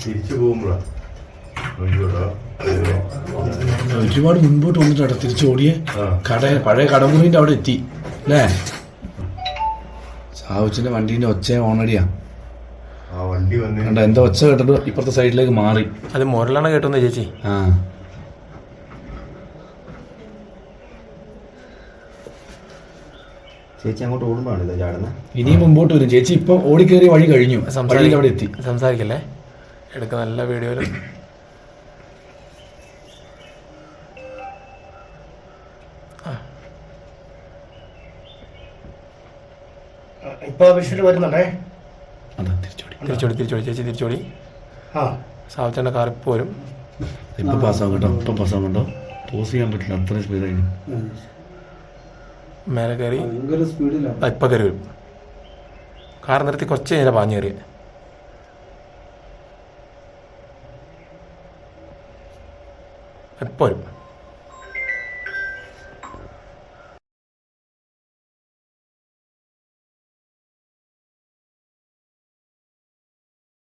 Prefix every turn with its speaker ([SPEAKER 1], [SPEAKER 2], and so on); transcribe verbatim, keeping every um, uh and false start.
[SPEAKER 1] തിരിച്ചു പോകുമ്പോഴാ
[SPEAKER 2] ഒരുപാട് മുൻപോട്ട് വന്നിട്ടാണ് തിരിച്ചോടിയെ. കട പഴയ കടമുറിന്റെ അവിടെ എത്തി അല്ലേ? സാവുച്ചിന്റെ വണ്ടീന്റെ ഒച്ച ഓണടിയാ. കണ്ട എന്താ ഒച്ച കേട്ടിട്ട് ഇപ്പുറത്തെ സൈഡിലേക്ക് മാറി.
[SPEAKER 3] അത് മുരളാണ് കേട്ടോന്ന് ചേച്ചി.
[SPEAKER 2] ആ
[SPEAKER 4] ചേച്ചി അങ്ങോട്ട് ഓടുമ്പോഴാണ് ചാടുന്നത്.
[SPEAKER 2] ഇനിയും മുമ്പോട്ട് വരും. ചേച്ചി ഇപ്പൊ ഓടിക്കേറിയ വഴി കഴിഞ്ഞു. വഴിയിൽ അവിടെ എത്തി.
[SPEAKER 3] സംസാരിക്കല്ലേ, എടുക്ക നല്ല വീഡിയോയില്.
[SPEAKER 5] ഇപ്പൊ വിഷയം വരുന്നുണ്ടേ.
[SPEAKER 3] തിരിച്ചോടി തിരിച്ചോടി ചേച്ചി തിരിച്ചോടി. സാവച്ചന്റെ കാർ ഇപ്പൊ വരും.
[SPEAKER 2] ഇപ്പൊ പാസ്സാവും കേട്ടോ. ഇപ്പൊ പാസ്സാവും കേട്ടോ. പോസ് ചെയ്യാൻ പറ്റില്ല, അത്രയും സ്പീഡായി.
[SPEAKER 3] മേലെ കയറി ഇപ്പൊ കയറി വരും. കാർ നിർത്തി കുറച്ച് കഴിഞ്ഞാൽ പാഞ്ഞു കയറി. ഇപ്പൊ വരും.